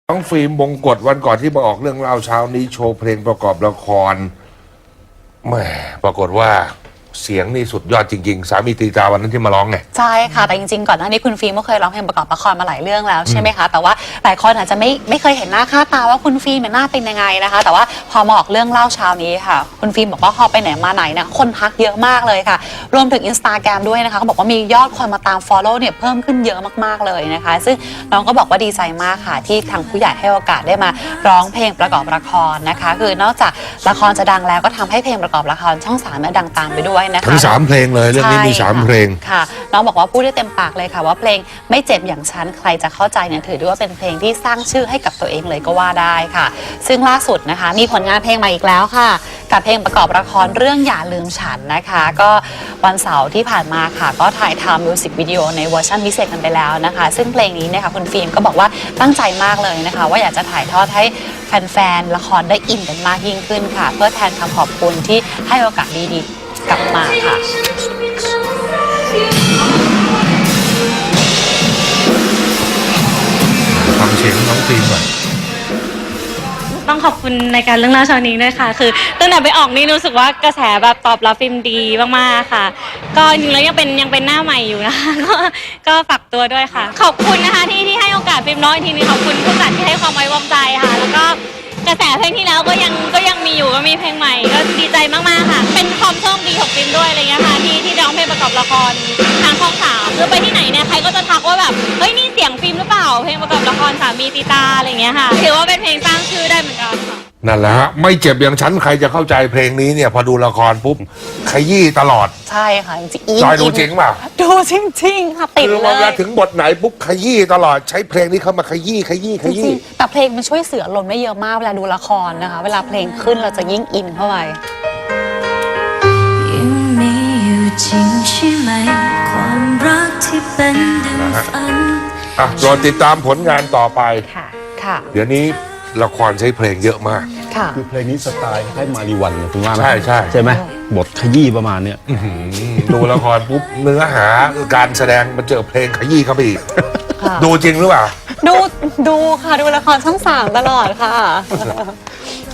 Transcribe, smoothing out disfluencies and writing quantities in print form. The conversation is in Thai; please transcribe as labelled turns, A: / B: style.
A: น้องฟิล์มบงกฎวันก่อนที่มาออกเรื่องเล่าเช้านี้โชว์เพลงประกอบละครแหมปรากฏว่าเสียงนี่สุดยอดจริงๆสามีตีตาวันนั้นที่มาร้องไง
B: ใช่ค่ะแต่จริงๆก่อนหน้านี้คุณฟิล์มก็เคยร้องเพลงประกอบละครมาหลายเรื่องแล้วใช่ไหมคะแต่ว่าหลายคนอาจจะไม่เคยเห็นหน้าค่าตาว่าคุณฟิล์มหน้าเป็นยังไงนะคะแต่ว่าพอมาออกเรื่องเล่าเช้านี้ค่ะคุณฟิล์มบอกว่าพอไปไหนมาไหนเนี่ยคนทักเยอะมากเลยค่ะรวมถึง Instagram ด้วยนะคะเขาบอกว่ามียอดคนมาตาม follow เนี่ยเพิ่มขึ้นเยอะมากๆเลยนะคะซึ่งน้องก็บอกว่าดีใจมากค่ะที่ทางผู้ใหญ่ให้โอกาสได้มาร้องเพลงประกอบละครนะคะคือนอกจากละครจะดังแล้วก็ทำให้เพลงประกอบละครช่อง3เนี่ยดังตามไปด้วยนะคะ
A: ทั้ง3เพลงเลยเรื่องนี้มี3เพลง
B: ค่ะน้องบอกว่าพูดได้เต็มปากเลยค่ะว่าเพลงไม่เจ็บอย่างฉันใครจะเข้าใจเนี่ยถือได้ว่าเป็นเพลงที่สร้างชื่อให้กับตัวเองเลยก็ว่าได้ค่ะซึ่งล่าสุดนะคะมีผลงานเพลงใหม่อีกแล้วค่ะกับเพลงประกอบละครเรื่องอย่าลืมฉันนะคะก็วันเสาร์ที่ผ่านมาค่ะก็ถ่ายทำมิวสิกวิดีโอในเวอร์ชันพิเศษกันไปแล้วนะคะซึ่งเพลงนี้นะคะคุณฟิล์มก็บอกว่าตั้งใจมากเลยนะคะว่าอยากจะถ่ายทอดให้แฟนๆละครได้อินกันมากยิ่งขึ้นค่ะเพื่อแทนคำขอบคุณที่ให้โอกาสดีๆกลับมาค่ะ
A: ฟังเสียงน้องฟิล์มก่อน
C: ต้องขอบคุณในการเรื่องเล่าเช้านี้ด้วยค่ะคือตั้งแต่ไปออกนี่รู้สึกว่ากระแสแบบตอบรับฟิล์มดีมากๆค่ะก็จริงๆแล้วยังเป็นหน้าใหม่อยู่นะคะก็ฝากตัวด้วยค่ะขอบคุณนะคะที่ให้โอกาสฟิล์มน้อยทีนึงขอบคุณผู้จัดที่ให้ความไว้วางใจค่ะแล้วก็กระแสเพลงที่แล้วก็ยังมีอยู่ก็มีเพลงใหม่ก็ดีใจมากๆค่ะเป็นความโชคดีของฟิล์มด้วยอะไรเงี้ยค่ะที่ร้องเพลงประกอบละครทางช่อง3คือไปที่ไหนเนี่ยใครก็จะทักว่าแบบเฮ้ยนี่เสียงฟิล์มหรือเปล่าเพลงประกอบละครสามีตีตาอะไรเงี้ยค่ะถือว่าเป็นเพลงสร้างชื่อได้เหมือนกันค่ะ
A: นั่นแหละฮะไม่เจ็บอย่างฉันใครจะเข้าใจเพลงนี้เนี่ยพอดูละครปุ๊บขยี้ตลอด
B: ใช่ค่ะจริง
A: จอยดูจริงเปล่า
B: ดูจริงๆค่ะติดเลย
A: เวลาถึงบทไหนปุ๊บขยี้ตลอดใช้เพลงนี้เข้ามาขยี้
B: แต่เพลงมันช่วยเสืออารมณ์ได้เยอะมากเวลาดูละครนะคะเวลาเพลงขึ้นเราจะยิ่งอินเข้าไป
D: ยังมีอยู่จริงใช่ไหมความรักที่เป็นดังฝัน
A: รอติดตามผลงานต่อไป
B: ค่ะ
A: เดี๋ยวนี้ละครใช้เพลงเยอะมาก
E: คือเพลงนี้สไตล์คล้ายมารีวันคุณว่าไหม
A: ใช่
E: ไหมบทขยี้ประมาณเนี้ย
A: ดูละครปุ๊บเนื้อหาการแสดงมาเจอเพลงขยี้เข้าไปอีกดูจริงหรือเปล่า
B: ดูค่ะดูละครช่อง3ตลอดค่ะ